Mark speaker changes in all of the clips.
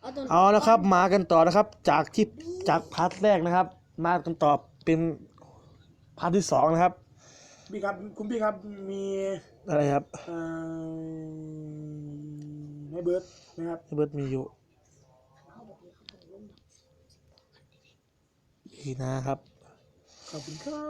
Speaker 1: เอาแล้วครับมากันต่อนะครับจากพาร์ทแรกนะครับ มากันต่อเป็นพาร์ทที่สองนะครับ
Speaker 2: พี่ครับคุณพี่ครับมี
Speaker 1: อะไรครับ
Speaker 2: ให้เบิร์ดนะครับ
Speaker 1: เบิร์ดมีอยู่ดีนะครับ
Speaker 2: ขอบคุณครับ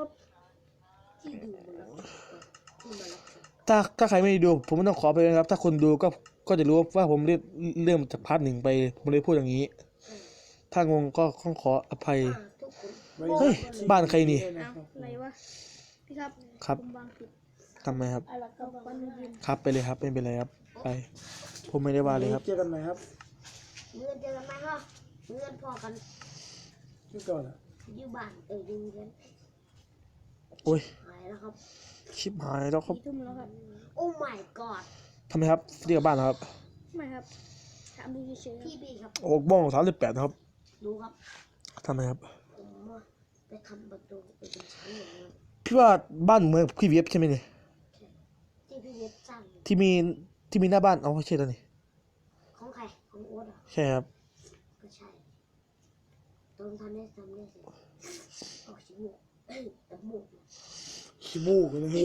Speaker 1: ถ้าใครไม่ดูผมไม่ต้องขอไปเลยนะครับถ้าคนดูก็จะรู้ว่าผมเริ่มจากพาร์ทหนึ่งไปผมเลยพูดอย่างนี้ถ้างงก็ต้องขออภัยเฮ้ยบ้านใครนี่
Speaker 3: อะไรวะพี่ครับ
Speaker 1: ครับทำไมครับครับไปเลยครับไม่เป็นไรครับไปผมไม่ได้ว่าเลยครับ
Speaker 2: เจอกันไหมครับ
Speaker 4: เมื่อเจอกันไหมครับเมื่อพอกัน
Speaker 2: ที่ก่อน
Speaker 4: อยู่บ้านอยู่กัน
Speaker 1: โอ้ย
Speaker 4: หายแล้วครับ
Speaker 1: ชิบหายแล้วครับ
Speaker 4: โอ้ my god
Speaker 1: ทำไมครับเรียกบ้านครับ
Speaker 3: ไม่ครับถามดูเฉย
Speaker 4: พี่บีครับ
Speaker 1: โอ้บ้อง38นะครับ
Speaker 4: ดูครับ
Speaker 1: ทำไมครับ
Speaker 4: ผมไปทำประตูไปเป็นชั้นอย่างนี้
Speaker 1: พี่ว่าบ้านเมืองพี่เวียบใช่ไหมเนี่ย
Speaker 4: ที่พี่เวียบสร้าง
Speaker 1: ที่มีหน้าบ้านเอาไม่ใช่แล้วนี่
Speaker 4: ของใครของโอ๊ตอ่ะ
Speaker 1: ใช่ครับ
Speaker 4: ก็ใช่ตอนทำได้เสร็จออกชิมูกตะมูก
Speaker 2: ขี้มูกเลย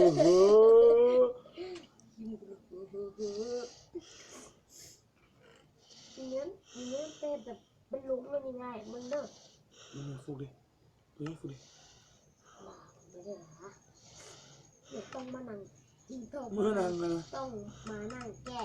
Speaker 4: ทีนี้เป็นแบบเป็นลุงมันยังไงมันเลิก
Speaker 2: มันฟูดิฟูดิ
Speaker 4: ว้าไม่ได้เหรอเด็กต้องมานั่งกินเพิ่มต้องมานั่งแก้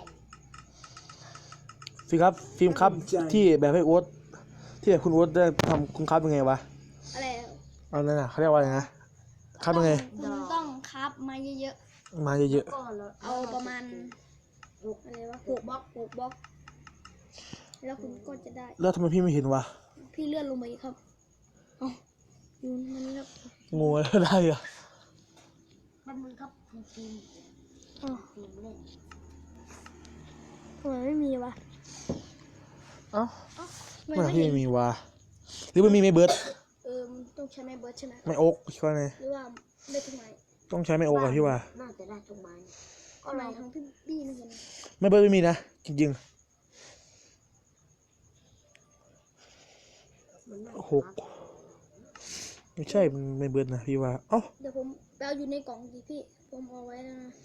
Speaker 1: ฟิล์มครับที่แบบให้โอ๊ตที่แบบคุณโอ๊ตได้ทำคุณครับยังไงวะ
Speaker 3: อะไร
Speaker 1: เอานั่นน่ะเขาเรียกว่าอะไรนะครับยังไง
Speaker 3: คุณต้องครับมาเยอะ
Speaker 1: ๆมาเยอะ
Speaker 3: ๆเอาประมาณอะไรวะ6 บล็อกแล้วคุณก็จะได้
Speaker 1: แล้วทำไมพี่ไม่เห็นวะ
Speaker 3: พี่เลื่อนลงไปครับอ๋ออยู่มันนี่ครับ
Speaker 1: งูอะไรได้อะ
Speaker 4: มันมึงครับทีมเล่น
Speaker 3: ทำไมไม่มีวะ
Speaker 1: เอ้าไม่พี่ไม่มีวะหรือมันมีไม่เบิร์ด
Speaker 3: ต้องใช้ไม้เบิร์ดใช่ไหม
Speaker 1: ไม่โอ๊กคิดว่าไง
Speaker 3: หรือว่าได้ทุกไม้
Speaker 1: ต้องใช้ไม่โอ๊กอะพี่ว่า
Speaker 4: น่าจะได้ทุกไม้
Speaker 3: ก็ไม้ทั้งพี่บี้นี่กัน
Speaker 1: ไม่เบิร์ดไม่มีนะจริงๆ6ไม่ใช่มันไม่เบิร์ดนะพี่ว่าเอ้า
Speaker 3: เดี๋ยวผมเอาอยู่ในกล่องดิพี่ผมเอาไว้แล้วนะ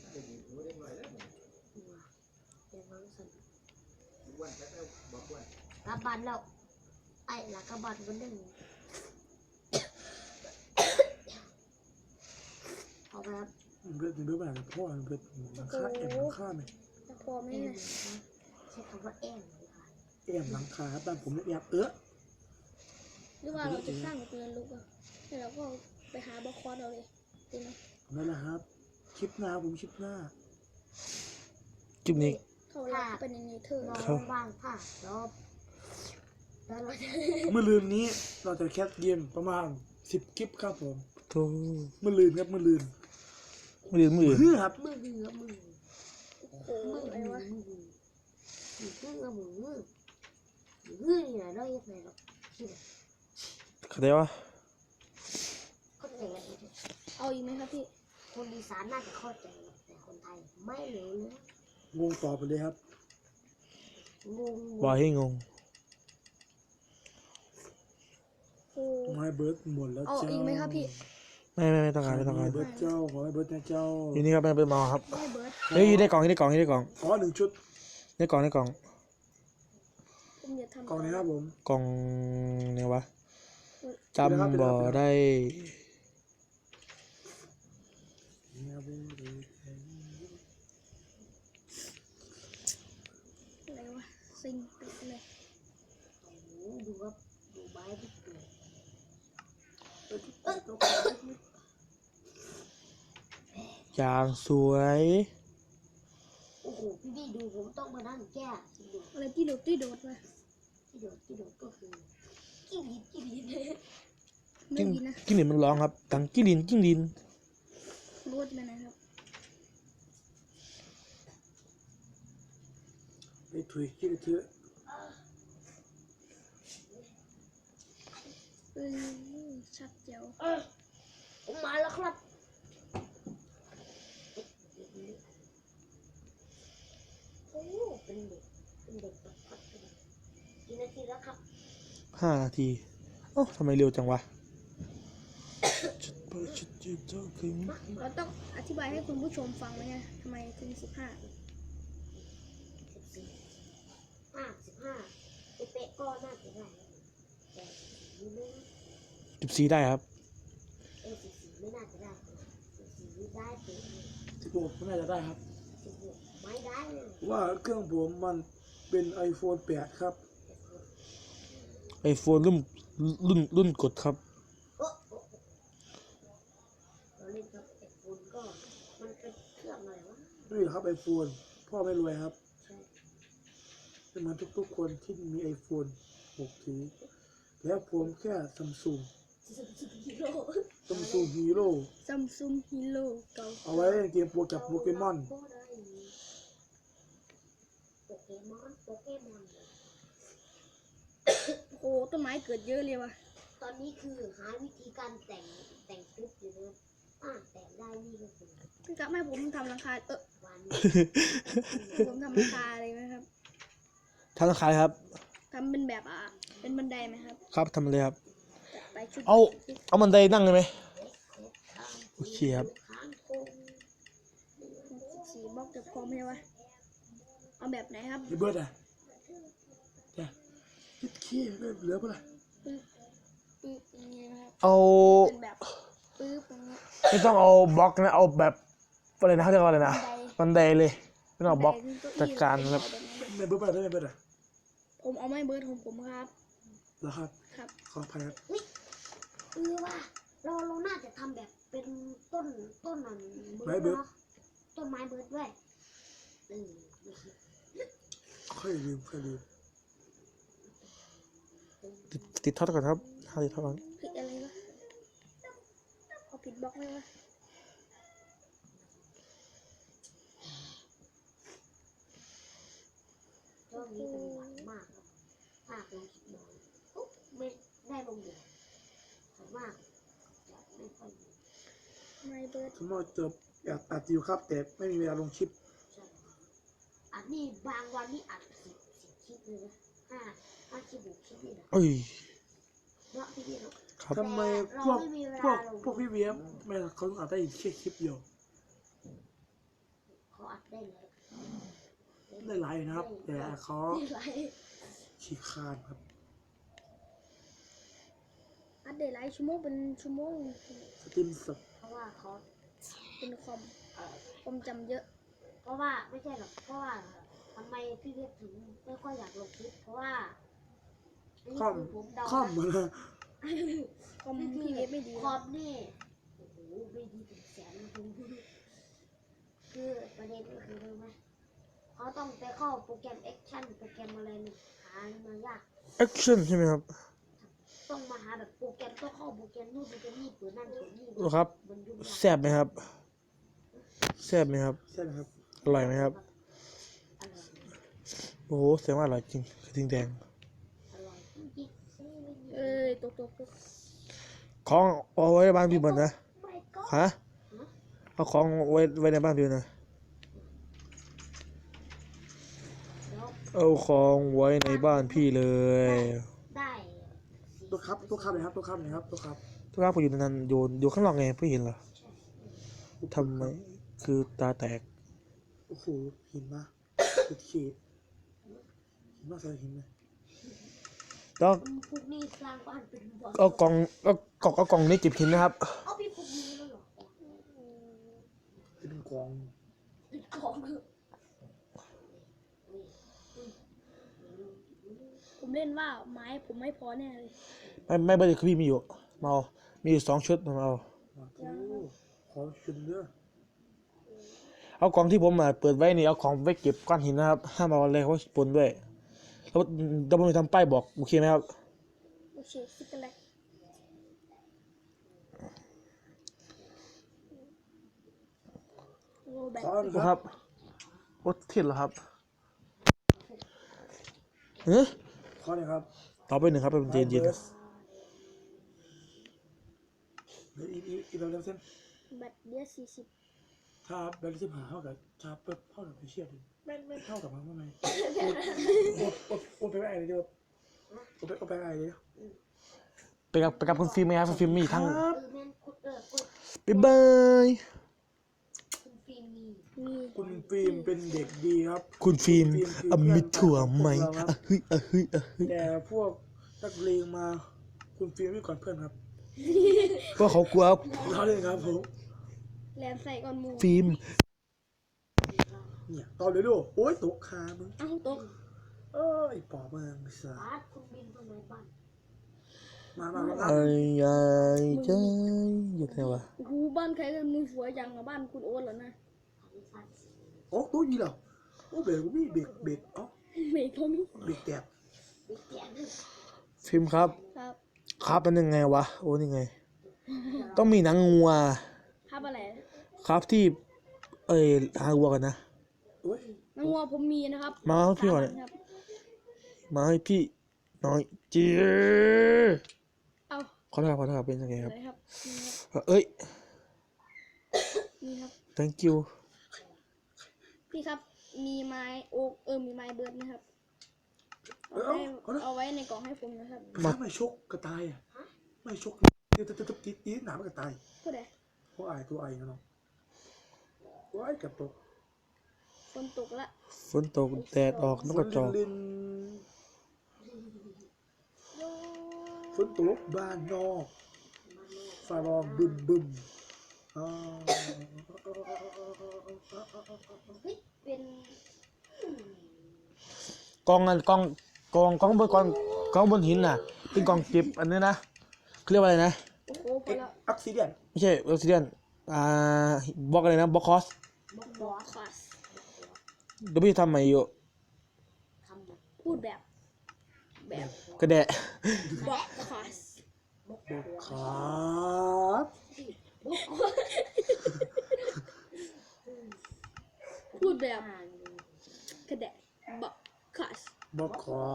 Speaker 4: กระบันแล้วไอ้ละกระบันก็ดึงเอาไปครับ
Speaker 2: เบิร์ดแบบพ่อเบิร์ดหลังคาไหม
Speaker 3: พอไหมเนี่ย
Speaker 4: ใช้คำว่าแอม
Speaker 2: หลังคาบ้านผมแอบ
Speaker 3: หรือว่าเราจะสร้างเรือนลุกอ่ะแล้วเราก็ไปหาบล็อกคอร์ดเอาเลยดีไหม
Speaker 2: นั่นแหละครับคลิปหน้าคลิป
Speaker 1: นี้
Speaker 3: เขาลากเป็นอย่างนี้เธอ
Speaker 4: ว่างค่ะรอบ
Speaker 2: เมื่อลืนนี้เราจะแคสเกมประมาณ10 คลิปครับผม
Speaker 1: โธ่
Speaker 2: เมื่อลืนครับเมื่อลืน
Speaker 4: ครับมือนี่แหละได้ยังไงหรอก
Speaker 1: เข้าใจวะ
Speaker 4: เข้าใจ
Speaker 3: เอาอีกไหมครับพี่
Speaker 4: คนอีสานน่าจะเข้าใจแต่คนไทยไม่รู้เลย
Speaker 2: งงต่อไปเลยครับ
Speaker 1: ว่าให้งง
Speaker 2: ไม่เบิร์ดหมดแล้ว
Speaker 3: เจ้าอีกไหมครับพี่
Speaker 1: ไม่ต้องการ
Speaker 2: เบิร์ดเจ้าขอให้เบิร์ดนะเจ้า
Speaker 1: อยู่นี่ครับเป็นมาครับเฮ้ยได้กล่อง
Speaker 2: ขอ1 ชุด
Speaker 1: ได้กล่อง
Speaker 2: กล่องนี้ครับผม
Speaker 1: กล่องเนี่ยวะจำบ่ได้
Speaker 3: อะไรวะซิงปิดเลย
Speaker 4: ดูครับดูใบดิบเลย
Speaker 1: อย่างสวย
Speaker 4: โอ้โหพี่ดูผมต้องมานั่งแก้
Speaker 3: อะไรที่โดดมา
Speaker 4: ที่โดดก็คือกิ้ง
Speaker 1: ลินมันร้องครับดังกิ้งลิน
Speaker 3: รูดไปนะครับ
Speaker 2: ไปถุยกิ้งเถอะ
Speaker 3: ชัดเจ๋ว
Speaker 4: ผมมาแล้วครับโอ้เป็นเด็กทีแล้วครับ
Speaker 1: 5 นาทีเอ้าทำไมเร็วจังวะจุดเปิดจุดยืนเจ้าถึง
Speaker 3: เราต้องอธิบายให้คุณผู้ชมฟังไหมฮะทำไมถึง15
Speaker 4: 15เป๊ะๆก็น่าจะได้แต่14ไม่
Speaker 1: 14ได้ครับ
Speaker 4: 14ไม่น่าจะได้14ได้เป๊ะ
Speaker 2: 16ไม่น่าจะได้ครับ
Speaker 4: 16ไม่ได้เลย
Speaker 2: ว่าเครื่องผมมันเป็น iPhone 8 ครับ
Speaker 1: iPhone รุ่นกดครับ
Speaker 4: โอ้เราเล่นกับไอโฟนก็มันเป็นเครื่องอะไรวะ
Speaker 2: นี่ครับ iPhone พ่อไม่รวยครับ
Speaker 4: ใช่
Speaker 2: เป็นเหมือนทุกๆคนที่มี iPhone 6 ถือแล้วผมแค่ซัมซุง
Speaker 4: ฮีโร่
Speaker 2: ซัมซุงฮีโร่
Speaker 3: Samsung Hero เก่า
Speaker 2: เอาไว้เล่นเกมโปรกับโปเกมอน
Speaker 4: โปเกมอน
Speaker 3: โอ้ต้นไม้เกิดเยอะเลยว่ะ
Speaker 4: ตอนนี้คือหาวิธีการแต่งคลิปอยู่นะแต่งได้นี่ก็คือ
Speaker 3: พี่กับให้ผมทำราคา
Speaker 4: วัน
Speaker 3: ผมทำราคาอะไรไหมครับ
Speaker 1: ทำราคาครับ
Speaker 3: ทำเป็นแบบเป็นบันไดไหมครับ
Speaker 1: ครับทำเลยครับ
Speaker 3: จัดไปชุด
Speaker 1: เอาบันไดนั่งเลยไหม โอเคครับ
Speaker 3: 14 บล็อกจะพอไหมวะเอาแบบไหนครับ
Speaker 2: ไอ้เบิร์ดอ่ะจ้ะคิดขี้เหลือเปล่า
Speaker 3: ปึ๊บปึ๊บอย่างเงี้ยนะครับ
Speaker 1: เอา
Speaker 3: เป็นแบบปึ๊บอย่างเงี้ย
Speaker 1: ไม่ต้องเอาบล็อกนะเอาแบบอะไรนะเขาเรียกว่าอะไรนะ
Speaker 3: บันได
Speaker 1: บันไดเลยไม่ต้องเอาบล็อก
Speaker 3: บันได
Speaker 1: จัดการครับ
Speaker 2: ไม่เบิร์ดอะไรไม่เบิร์ดอ่ะ
Speaker 3: ผมเอาไม้เบิร์ดของผมครับ
Speaker 2: เหรอครับ
Speaker 3: ครับ
Speaker 2: ขออภัยครับ
Speaker 4: ว่าเราน่าจะทำแบบเป็นต้นนั้นเบิร์ดเนาะต้นไม้เบิร์ดด้วย
Speaker 2: ค่อยลืม
Speaker 1: ติดท็อตก่อนครับติดท็อตก่อน
Speaker 3: ผิดอะไรวะเอาผิดบล็อกไหมวะ
Speaker 4: ช่วงนี้เป็นหวัดมากครับถ้าลงคลิปบ่อยปุ๊บไม่ได้ลงเดียวส่วนมากจะไม่ค่อยมี
Speaker 3: ไม้เบิร์ด
Speaker 2: สมมติจะอัดอยู่ครับ แต่ไม่มีเวลาลงคลิป
Speaker 4: ใช่อัดนี่บางวันนี่อัด10คลิปเลยนะห้าคลิป6คลิปนี่นะ
Speaker 1: เอ้ย
Speaker 4: เนาะพี่เนาะ
Speaker 1: ครับ
Speaker 2: ทำไมพวกพี่เวียมไม่เขาต้องอัดได้แค่คลิปเดียว
Speaker 4: เขาอัดได้เลย
Speaker 2: ได้หลายอยู่นะครับ แต่เขา
Speaker 4: ได้ไร
Speaker 2: ขี้คร้านครับ
Speaker 3: อัดได้หลายชั่วโมงเป็นชั่วโมง
Speaker 2: สตรีมสด
Speaker 4: เพราะว่าเขา
Speaker 3: เป็นความจำเยอะ
Speaker 4: เพราะว่าไม่ใช่หรอกเพราะว่าทำไมพี่เวฟถึงไม่ค่อยอยากลงคลิปเพราะว่าอันนี้
Speaker 2: คอม
Speaker 4: คือผมเดา
Speaker 2: คอม
Speaker 4: นะ
Speaker 2: มา
Speaker 3: คอมพี่เว็บไม่ดี
Speaker 4: คอมนี่โอ้โหไม่ดีถึงแสนนะคุณคือประเด็นก็คือรู้ไหมเขาต้องไปเข้าโปรแกรมแอคชั่นโปรแกรมอะไรนี่หามายาก
Speaker 1: แอคชั่นใช่ไหมครับ
Speaker 4: ต้องมาหาแบบโปรแกรมต้องเข้าโปรแกรมนู่นโปรแกรมนี่เปิดนั่นเปิดนี่
Speaker 1: ดูครับ
Speaker 4: มันยุ่งยาก
Speaker 1: แซ่บไหมครับแซ่บไหมครับ
Speaker 2: ใช่ไหมครับ
Speaker 1: อร่อยไหมครับ
Speaker 4: อร่อย
Speaker 1: โอ้โหแสดงว่าอร่อยจริงกระทิงแดง
Speaker 4: อร่อยจริงๆ
Speaker 3: เอ้ยตก
Speaker 1: ของเอาไว้ในบ้านพี่หมดนะ
Speaker 4: ไม่ก็
Speaker 1: ฮะเอาของไว้ในบ้านพี่นะ
Speaker 4: แล้ว
Speaker 1: เอาของไว้ในบ้านพี่เลย
Speaker 4: ได้
Speaker 2: ตัวครับเลยครับตัวครับเลยครับตัวครับ
Speaker 1: ทุกครั้งผมอยู่นานๆอยู่ข้างนอกไงพี่เห็นเหรอทำไมคือตาแตก
Speaker 2: โอ้โหหินมาติดขีดหินมาใส่หินเลย
Speaker 1: แล้ว
Speaker 4: พวกนี้สร้างบ้านเป็นบ่อน
Speaker 1: เอากล่องนี้เก็บหินนะครับ
Speaker 4: เอาพี่พวกนี้แล้วเหรอ
Speaker 2: เป็นกอง
Speaker 4: ติดของเถอะ
Speaker 3: ผมเล่นว่าไม้ผมไม่พอแน่เลย
Speaker 1: ไม่เบอร์คือพี่มีอยู่มาเอามีอยู่2 ชุดมาเอา
Speaker 2: ขอชุดเนื้อ
Speaker 1: เอากล่องที่ผมเปิดไว้นี่เอาของไว้เก็บก้อนหินนะครับห้ามเอาอะไรเขาปนด้วยแล้วจะไม่ทำป้ายบอกโอเคไหมครับ
Speaker 3: โอเคซิกเกอร์แลกโอ้แบบ
Speaker 2: ขอหน่อย
Speaker 1: ค
Speaker 2: ค
Speaker 1: รั
Speaker 2: รั
Speaker 1: บบ โอ้เทียนเหรอครับเฮ้ย
Speaker 2: ขอหน่อยครับ
Speaker 1: ต่อไป1ครับเป็นเย็นๆนะ
Speaker 2: อีกแล้วเส้น
Speaker 3: แบตเดียว40
Speaker 2: ถ้าแบลลิสหาเท่ากับชาเปิดเท่ากับไปเชียร์ดิไม่เท่ากับมันทำไมโอ้ไปไม่ได้เลยเดียวเอาไปอะไรเนี่ย
Speaker 1: ไปกับคุณฟิล์มไหมครับคุณฟิล์มมีทั้ง
Speaker 2: ครับ
Speaker 4: แม่นกดกด
Speaker 1: บ๊ายบาย
Speaker 4: คุณฟิล์มมี
Speaker 3: มี
Speaker 2: คุณฟิล์มเป็นเด็กดีครับ
Speaker 1: คุณฟิล์ม
Speaker 2: คือ
Speaker 1: อมิถั่วไหม
Speaker 2: เพื่อนรักของพวกเราครับ
Speaker 1: อะเฮ้ยอะเฮ้ยอะเฮ้ย
Speaker 2: แต่พวกนักเลงมาคุณฟิล์มไม่ก่อนเพื่อนครับ
Speaker 1: เพราะเขากลัว
Speaker 2: เราเลยครับผม
Speaker 3: แลนใส่ก่อนหมู
Speaker 1: ฟิล์ม
Speaker 2: เนี่ยตอนเลยดูโอ๊ยตกคามึง
Speaker 3: เอ้าตก
Speaker 2: ไอ้ปอบมึงไอ้สัส
Speaker 4: บาสคุณบินทำไมบ้าน
Speaker 2: มาครับ
Speaker 1: ไอ้ยายใจอยู่ไหนวะ
Speaker 3: โอ้โหบ้านใครกันมึงสวยจังอะบ้านคุณโอ๊ตเหรอนะ
Speaker 4: ทำให้ฟัน
Speaker 2: โอ้ตัวยีเหรอโอ้เบรกกูมีเบรกเอ้า
Speaker 3: เมย์เขามี
Speaker 2: เบรกแตก
Speaker 4: ไปเตียนด้วย
Speaker 1: ฟิล์มครับ
Speaker 3: ครับ
Speaker 1: ครับเป็นยังไงวะโอ้นี่ไง ต้องมีหนังงัว
Speaker 3: ภาพอะไร
Speaker 1: ครับที่หาวัวกันนะ
Speaker 2: โอ้ย
Speaker 3: น้องวัวผมมีนะครับ
Speaker 1: มาให้พี่ก่อน
Speaker 3: 3 ครับ
Speaker 1: มาให้พี่น้อยจี
Speaker 3: เอ้า
Speaker 1: ขอโทษครับเป็นยังไงครับ
Speaker 3: อะไรครับนี่ครับ
Speaker 1: เอ้ย
Speaker 3: นี่ครับ
Speaker 1: thank you
Speaker 3: พี่ครับมีไม้โอ๊กมีไม้เบิร์ดนะครับ
Speaker 2: เอ้า
Speaker 3: เอาไว้ในกล่องให้ผมนะครับ
Speaker 2: ถ้าไม่ชกกระต่ายอ่ะไม่ชกตีหนามกระต่าย
Speaker 3: ผู้ใด
Speaker 2: เพราะตัวไอ้เนาะว้ายกับตก
Speaker 3: ฝนตกละ
Speaker 1: ฝนตกแดดออกนกกระจอก
Speaker 2: ลินฝนตกบ้านนอกฟ้าร้องบึมอ่า
Speaker 4: เฮ้ยเป็น
Speaker 1: กองบนหินน่ะเป็นกองเก็บอันนี้นะเขาเรียกว่าอะไรนะ
Speaker 3: โอ้โหพอละ
Speaker 2: อักซิเดียน
Speaker 1: ไม่ใช่ออซิเดียนบล็อกอะไรนะบล็อกคอส
Speaker 3: บอคอส
Speaker 1: เดี๋ยวพี่ทำใหม่อยู่
Speaker 4: คำแบบ
Speaker 3: พูดแบบ
Speaker 1: กระแดะ
Speaker 3: บอคอส
Speaker 2: ครับ
Speaker 3: พูดแบบ
Speaker 4: อ่าน
Speaker 3: กระแดะบอคอส
Speaker 2: บอกขอ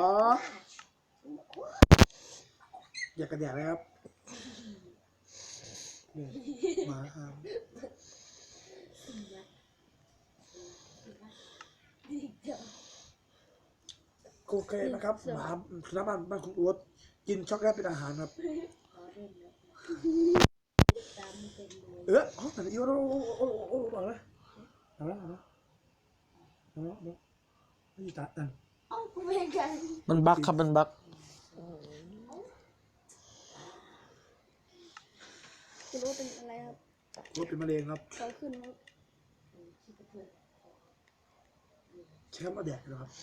Speaker 2: อย่ากระแดกเลยครับนี่หมาหามโอเคนะครับหมาสุนัขบ้านคุณอ้วนกินช็อกโกแลตเป็นอาหารครับ
Speaker 4: ขอเล่นเลยตามเป็นเลย
Speaker 2: แต่อีโอ้บอกเลยเอาละนี่ตาดัน
Speaker 4: เอ้าคุณเป็นกัน
Speaker 1: มันบั๊กครับมันบั๊ก
Speaker 3: คุณรู้เป็นอะไรครับ
Speaker 2: รถเป็นมะเร็งครับ
Speaker 3: เขาขึ้นครับ
Speaker 2: แชมป์มาแดกเลยครับ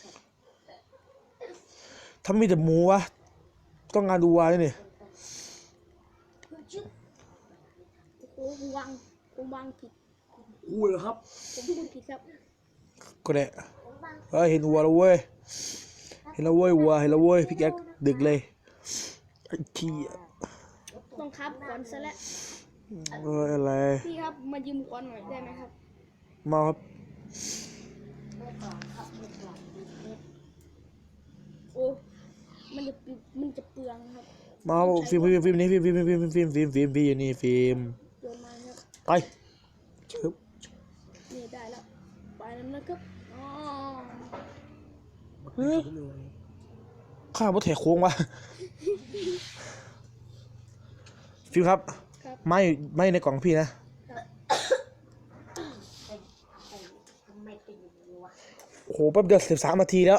Speaker 1: ถ้ามีแต่หมูวะต้องงานดูวาด้วยนี่
Speaker 4: ชื่อ
Speaker 3: โอ้โหผมวางผิด
Speaker 2: กูเหรอครับ
Speaker 3: ผมพูดผิดครับ
Speaker 1: กระแดะ
Speaker 4: ผมบาง
Speaker 1: เห็นวัวแล้วเว้ยเห็นแล้วเว้ยวัวเห็นแล้วเว้ยพี่แก๊กดึกเลยไอ้ขี้ย
Speaker 3: ต้องครับก่อนซะแล้ว
Speaker 1: อะไร
Speaker 3: พี่ครับมายืมก่อนหน่อยได้ไหมครับ
Speaker 1: มาครับ
Speaker 4: เมื่อก่อนครับเมื่อก่อนมีเพชร
Speaker 3: โอ้มันจะเปลืองครับ
Speaker 1: มาฟิล์มนี่ฟิล์มพี่อยู่นี่ฟิล์ม
Speaker 3: โยนมาครับ
Speaker 1: ไปชึบ
Speaker 3: นี่ได้แล้วไปแล้วนะครับอ๋อ
Speaker 1: ข้าวบ่แถกโค้งวะฟิล์มครับ
Speaker 3: ครับ
Speaker 1: ไม่ในกล่องพี่นะ
Speaker 4: เป็นทำไมเป็นอย่างนี้วะ
Speaker 1: โอ้โหแป๊บเดียว13 นาทีแล้ว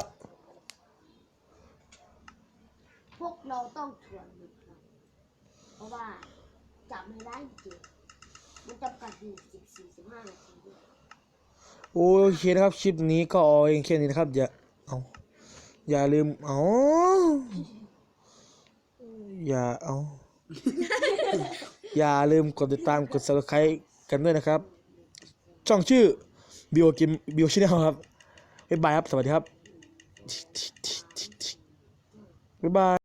Speaker 4: พวกเราต้องทวนมันครับเพราะว่าจับไม่ได้จริงมันจำกัดอยู่14-15 นาทีด้วย
Speaker 1: โอเคนะครับคลิปนี้ก็เอาเองแค่นี้นะครับอย่าลืมอย่าลืมกดติดตามกด subscribe กันด้วยนะครับ ช่องชื่อ Bio Channel ครับบ๊ายบายครับ สวัสดีครับบ๊ายบาย